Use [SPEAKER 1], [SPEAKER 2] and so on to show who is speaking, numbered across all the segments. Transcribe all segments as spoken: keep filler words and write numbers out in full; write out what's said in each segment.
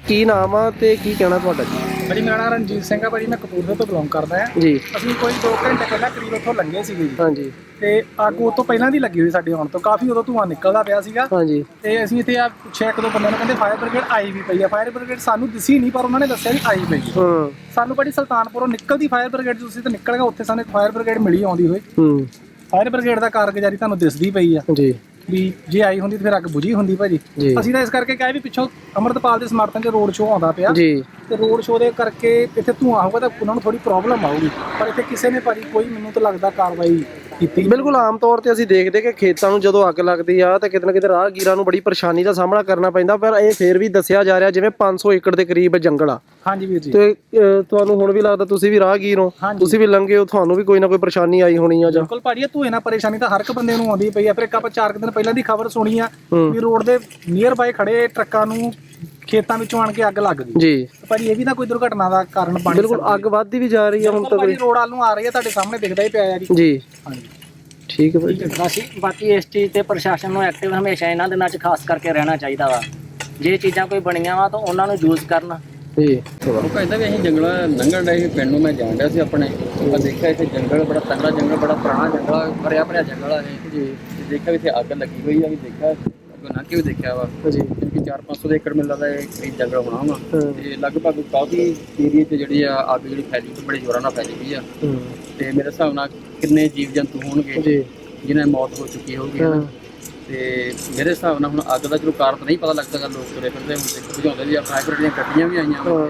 [SPEAKER 1] ਕੀ ਨਾਮ ਆ ਤੇ ਕੀ ਕਹਿਣਾ ਤੁਹਾਡਾ ਜੀ?
[SPEAKER 2] भाजी मेरा नाम रणजीत सिंह है भाजी, मैं कपूरथले तो बिलोंग करदा है
[SPEAKER 1] जी।
[SPEAKER 2] ਅਸੀਂ ਕੋਈ दो घंटे ਪਹਿਲਾਂ ਕਰੀਬ ਉੱਥੋਂ ਲੰਘੇ ਸੀਗੇ ਜੀ।
[SPEAKER 1] ਹਾਂਜੀ
[SPEAKER 2] ਤੇ ਅੱਗ ਉਹ ਤੋਂ ਪਹਿਲਾਂ ਦੀ ਲੱਗੀ ਹੋਈ ਸਾਡੇ ਆਉਣ ਤੋਂ, ਕਾਫੀ ਉਦੋਂ ਧੂੰਆਂ ਨਿਕਲਦਾ ਪਿਆ ਸੀਗਾ।
[SPEAKER 1] ਹਾਂਜੀ
[SPEAKER 2] ਤੇ ਅਸੀਂ ਇੱਥੇ ਆ ਪੁੱਛਿਆ ਇੱਕ ਦੋ ਬੰਦਿਆਂ ਨੂੰ, ਕਹਿੰਦੇ ਫਾਇਰ ਬ੍ਰਿਗੇਡ ਆਈ ਵੀ ਪਈ ਆ। ਫਾਇਰ ਬ੍ਰਿਗੇਡ ਸਾਨੂੰ ਦਿਸੀ ਨਹੀਂ, ਪਰ ਉਹਨਾਂ ਨੇ ਦੱਸਿਆ ਵੀ ਆਈ ਪਈ ਆ।
[SPEAKER 1] ਹਾਂ
[SPEAKER 2] ਸਾਨੂੰ ਬੜੀ ਸੁਲਤਾਨਪੁਰੋਂ ਨਿਕਲਦੀ ਫਾਇਰ ਬ੍ਰਿਗੇਡ ਤੁਸੀਂ ਤਾਂ ਨਿਕਲ ਗਏ, ਉੱਥੇ ਸਾਨੂੰ ਫਾਇਰ ਬ੍ਰਿਗੇਡ ਮਿਲੀ ਆਉਂਦੀ ਹੋਈ।
[SPEAKER 1] ਹੂੰ
[SPEAKER 2] ਫਾਇਰ ਬ੍ਰਿਗੇਡ ਦਾ ਕਾਰਗੁਜ਼ਾਰੀ ਤੁਹਾਨੂੰ ਦਿਸਦੀ ਪਈ ਆ
[SPEAKER 1] ਜੀ
[SPEAKER 2] ਵੀ ਜੇ ਆਈ ਹੁੰਦੀ ਤਾਂ ਫਿਰ ਅੱਗ ਬੁਝੀ ਹੁੰਦੀ ਭਾਜੀ।
[SPEAKER 1] ਜੀ।
[SPEAKER 2] ਅਸੀਂ ਤਾਂ ਇਸ ਕਰਕੇ ਕਿਹਾ ਵੀ ਪਿੱਛੋਂ ਅੰਮ੍ਰਿਤਪਾਲ ਦੇ ਸਮਰਥਨ 'ਚ ਰੋਡ ਸ਼ੋਅ ਆਉਂਦਾ ਪਿਆ
[SPEAKER 1] ਜੀ
[SPEAKER 2] ਤੇ ਰੋਡ ਸ਼ੋਅ ਦੇ ਕਰਕੇ ਇੱਥੇ ਧੂੰਆਂ ਹੋਊਗਾ ਤਾਂ ਉਹਨਾਂ ਨੂੰ ਥੋੜੀ ਪ੍ਰੋਬਲਮ ਆਊਗੀ, ਪਰ ਇੱਥੇ ਕਿਸੇ ਨੇ ਭਾਜੀ ਕੋਈ ਮੈਨੂੰ ਤਾਂ ਲੱਗਦਾ ਕਾਰਵਾਈ ਕੀਤੀ।
[SPEAKER 1] ਬਿਲਕੁਲ ਆਮ ਤੌਰ ਤੇ ਅਸੀਂ ਦੇਖਦੇ ਕਿ ਖੇਤਾਂ ਨੂੰ ਜਦੋਂ ਅੱਗ ਲੱਗਦੀ ਆ ਤਾਂ ਕਿਤੇ ਨਾ ਕਿਤੇ ਰਾਹਗੀਰਾਂ ਨੂੰ ਬੜੀ ਪਰੇਸ਼ਾਨੀ ਦਾ ਸਾਹਮਣਾ ਕਰਨਾ ਪੈਂਦਾ, ਪਰ ਇਹ ਫੇਰ ਵੀ ਦੱਸਿਆ ਜਾ ਰਿਹਾ ਜਿਵੇਂ ਪੰਜ ਸੌ ਏਕੜ ਦੇ ਕਰੀਬ ਜੰਗਲ ਆ।
[SPEAKER 2] ਹਾਂਜੀ ਵੀਰ ਜੀ।
[SPEAKER 1] ਤੇ ਅਹ, ਤੁਹਾਨੂੰ ਹੁਣ ਵੀ ਲੱਗਦਾ ਤੁਸੀਂ ਵੀ ਰਾਹਗੀਰ ਹੋ,
[SPEAKER 2] ਹਾਂਜੀ।
[SPEAKER 1] ਤੁਸੀਂ ਵੀ ਲੰਘੇ ਹੋ, ਤੁਹਾਨੂੰ ਵੀ ਕੋਈ ਨਾ ਕੋਈ ਪਰੇਸ਼ਾਨੀ ਆਈ ਹੋਣੀ ਆ ਜਾਂ?
[SPEAKER 2] ਬਿਲਕੁਲ ਭਾਜੀ, ਇਹ ਧੂਏ ਨਾਲ ਪਰੇਸ਼ਾਨੀ ਤਾਂ ਹਰ ਇੱਕ ਬੰਦੇ ਨੂੰ ਆਉਂਦੀ ਪਈ ਆ। ਫਿਰ ਇੱਕ ਆਪਾਂ ਚਾਰ ਕੁ ਦਿਨ ਪਹਿਲਾਂ ਦੀ ਖਬਰ ਸੁਣੀ ਆ
[SPEAKER 1] ਹੂੰ।
[SPEAKER 2] ਵੀ ਰੋਡ ਦੇ ਨੀਅਰ ਬਾਈ ਖੜੇ ਟਰੱਕਾਂ ਨੂੰ ਖੇਤਾਂ ਵਿੱਚੋਂ ਆਣ ਕੇ ਅੱਗ ਲੱਗ ਗਈ
[SPEAKER 1] ਜੀ
[SPEAKER 2] ਤੇ ਭਾਜੀ ਇਹ ਵੀ ਤਾਂ ਕੋਈ ਦੁਰਘਟਨਾ ਦਾ ਕਾਰਨ ਬਣ
[SPEAKER 1] ਬਿਲਕੁਲ ਅੱਗ ਵੱਧਦੀ ਵੀ ਜਾ ਰਹੀ ਆ ਹੁਣ
[SPEAKER 2] ਬਿਲਕੁਲ
[SPEAKER 1] ਤੱਕ।
[SPEAKER 2] ਭਾਜੀ ਰੋਡ ਵੱਲ ਨੂੰ ਆ ਰਹੀ ਹੈ, ਤੁਹਾਡੇ ਸਾਹਮਣੇ ਦਿਖਦਾ ਹੀ ਪਿਆ ਆ ਜੀ।
[SPEAKER 1] ਜੀ
[SPEAKER 2] ਹਾਂਜੀ
[SPEAKER 1] ਠੀਕ ਹੈ ਭਾਈ।
[SPEAKER 3] ਬਾਕੀ ਬਾਕੀ ਇਸ ਚੀਜ਼ ਤੇ ਪ੍ਰਸ਼ਾਸਨ ਨੂੰ ਐਕਟਿਵ ਹਮੇਸ਼ਾ ਇਹਨਾਂ ਦਿਨਾਂ 'ਚ ਖਾਸ ਕਰਕੇ ਰਹਿਣਾ ਚਾਹੀਦਾ ਵਾ। ਜੇ ਚੀਜ਼ਾਂ ਕੋਈ ਬਣੀਆਂ ਵਾ ਤਾਂ ਉਹਨਾਂ ਨੂੰ ਯੂਜ਼ ਕਰਨ।
[SPEAKER 1] ਜੀ
[SPEAKER 4] ਉਹ ਕਹਿੰਦਾ ਵੀ ਅਸੀਂ ਜੰਗਲਾਂ ਲੰਘਣ ਡਏ ਸੀ, ਪਿੰਡ ਨੂੰ ਮੈਂ ਜਾਣ ਡਿਆ ਸੀ ਆਪਣੇ। ਮੈਂ ਦੇਖਿਆ ਇੱਥੇ ਜੰਗਲ ਬੜਾ ਤੰਗੜਾ ਜੰਗਲ, ਬੜਾ ਪੁਰਾਣਾ ਜੰਗਲ ਆ, ਭਰਿਆ ਭਰਿਆ ਜੰਗਲ ਆ ਇਹ।
[SPEAKER 1] ਜੀ
[SPEAKER 4] ਤੇ ਦੇਖਿਆ ਵੀ ਇੱਥੇ ਅੱਗ ਲੱਗੀ ਹੋਈ ਆ, ਵੀ ਦੇਖਿਆ ਅੱਗੋਂ ਲੰਘ ਕੇ ਵੀ ਦੇਖਿਆ ਵਾ
[SPEAKER 1] ਜੀ
[SPEAKER 4] ਕਿ ਚਾਰ ਪੰਜ ਸੌ ਦੇ ਏਕੜ ਮੈਨੂੰ ਲੱਗਦਾ ਇਹ ਕਰੀਬ ਜੰਗਲ ਹੋਣਾ ਵਾ।
[SPEAKER 1] ਹਾਂ।
[SPEAKER 4] ਤੇ ਲਗਭਗ ਕਾਫੀ ਏਰੀਏ 'ਚ ਜਿਹੜੀ ਆ ਅੱਗ ਜਿਹੜੀ ਫੈਲੀ ਹੋਈ, ਬੜੇ ਜ਼ੋਰਾਂ ਨਾਲ ਫੈਲੀ ਹੋਈ ਆ।
[SPEAKER 1] ਹੂੰ
[SPEAKER 4] ਤੇ ਮੇਰੇ ਹਿਸਾਬ ਨਾਲ ਕਿੰਨੇ ਜੀਵ ਜੰਤੂ ਹੋਣਗੇ
[SPEAKER 1] ਜੀ
[SPEAKER 4] ਜਿਨ੍ਹਾਂ ਦੀ ਮੌਤ ਹੋ ਚੁੱਕੀ ਹੋਊਗੀ
[SPEAKER 1] ਹਾਂ।
[SPEAKER 4] ਹਨਾ। ਤੇ ਮੇਰੇ ਹਿਸਾਬ ਨਾਲ ਹੁਣ ਅੱਗ ਦਾ ਚਲੋ ਕਾਰਨ ਨਹੀਂ ਪਤਾ ਲੱਗ ਸਕਦਾ, ਲੋਕ ਤੁਰੇ ਫਿਰਦੇ ਹੁਣ ਤੇ ਬੁਝਾਉਂਦੇ ਵੀ ਆ, ਫਾਇਰ ਦੀਆਂ ਗੱਡੀਆਂ ਵੀ ਆਈਆਂ ਵਾ
[SPEAKER 1] ਹਾਂ।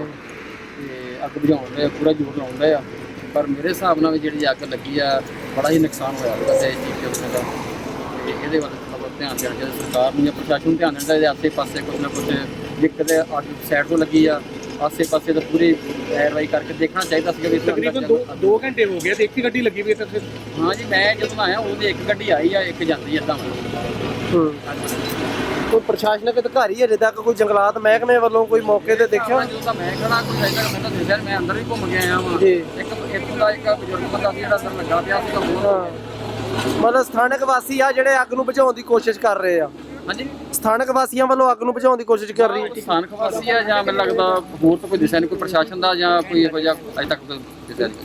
[SPEAKER 4] ਤੇ ਅੱਗ ਬੁਝਾਉਣ ਦੇ ਪੂਰਾ ਜ਼ੋਰ ਲਾਉਂਦੇ ਆ। ਪਰ ਮੇਰੇ ਹਿਸਾਬ ਨਾਲ ਵੀ ਜਿਹੜੀ ਅੱਗ ਲੱਗੀ ਆ ਬੜਾ ਹੀ ਨੁਕਸਾਨ ਹੋਇਆ ਉਹਦਾ ਤੇ ਚੀਜ਼ ਦੇ ਦਾ। ਤੇ ਇਹਦੇ ਵੱਲ ਥੋੜ੍ਹਾ ਬਹੁਤ ਧਿਆਨ ਦੇਣਾ ਚਾਹੀਦਾ ਸਰਕਾਰ ਨੂੰ ਜਾਂ ਪ੍ਰਸ਼ਾਸਨ ਨੂੰ, ਧਿਆਨ ਦੇਣਾ ਚਾਹੀਦਾ। ਆਸੇ ਪਾਸੇ ਕੁਛ ਨਾ ਕੁਛ ਜੇ ਕਿਤੇ ਅੱਗ ਸਾਈਡ ਤੋਂ ਲੱਗੀ ਆ, ਆਸੇ ਪਾਸੇ ਤਾਂ ਪੂਰੀ ਕਾਰਵਾਈ ਕਰਕੇ ਦੇਖਣਾ ਚਾਹੀਦਾ ਸੀਗਾ ਵੀ
[SPEAKER 2] ਤਕਰੀਬਨ ਦੋ ਦੋ ਘੰਟੇ ਹੋ ਗਏ ਤੇ ਇੱਕ ਹੀ ਗੱਡੀ ਲੱਗੀ ਵੀ ਇੱਥੇ।
[SPEAKER 4] ਹਾਂ ਜੀ, ਮੈਂ ਜਦੋਂ ਆਇਆ ਉਹਦੀ ਇੱਕ ਗੱਡੀ ਆਈ ਆ, ਇੱਕ ਜਾਂਦੀ ਆ ਏਦਾਂ।
[SPEAKER 1] ਹੂੰ ਕੋਈ ਪ੍ਰਸ਼ਾਸਨਿਕ ਅਧਿਕਾਰੀ ਅਜੇ ਤੱਕ ਕੋਈ ਜੰਗਲਾਤ ਮਹਿਕਮੇ ਵੱਲੋਂ ਕੋਈ ਮੌਕੇ ਤੇ ਦੇਖਿਆ?
[SPEAKER 4] ਜਦੋਂ ਤਾਂ ਮੈਂ ਖੜਾ ਕੋਈ ਹੈਗਾ ਮੈਂ ਤਾਂ ਦੇਖਿਆ, ਮੈਂ ਅੰਦਰ ਵੀ ਘੁੰਮ ਕੇ ਆਇਆ ਵਾਂ।
[SPEAKER 1] ਜੀ।
[SPEAKER 4] ਇੱਕ ਇੱਥੋਂ ਦਾ ਇੱਕ ਬਜ਼ੁਰਗ ਬੰਦਾ ਸੀ ਜਿਹੜਾ ਅੰਦਰ ਲੱਗਾ ਪਿਆ ਸੀਗਾ ਹੋਰ।
[SPEAKER 1] ਹਾਂ ਮਤਲਬ ਸਥਾਨਕ ਵਾਸੀ ਆ ਜਿਹੜੇ ਅੱਗ ਨੂੰ ਬੁਝਾਉਣ ਦੀ ਕੋਸ਼ਿਸ਼ ਕਰ ਰਹੇ ਆ।
[SPEAKER 4] ਹਾਂਜੀ,
[SPEAKER 1] ਸਥਾਨਕ ਵਾਸੀਆਂ ਵੱਲੋਂ ਅੱਗ ਨੂੰ ਬੁਝਾਉਣ ਦੀ ਕੋਸ਼ਿਸ਼ ਕਰ ਰਹੀ ਹੈ।
[SPEAKER 4] ਸਥਾਨਕ ਵਾਸੀ ਆ ਜਾਂ ਮੈਨੂੰ ਲੱਗਦਾ ਹੋਰ ਤਾਂ ਕੋਈ ਦਿਸਿਆ ਨਹੀਂ, ਕੋਈ ਪ੍ਰਸ਼ਾਸਨ ਦਾ ਜਾਂ ਕੋਈ ਇਹੋ ਜਿਹਾ ਅਜੇ ਤੱਕ ਤਾਂ ਦਿਸਿਆ ਨਹੀਂ।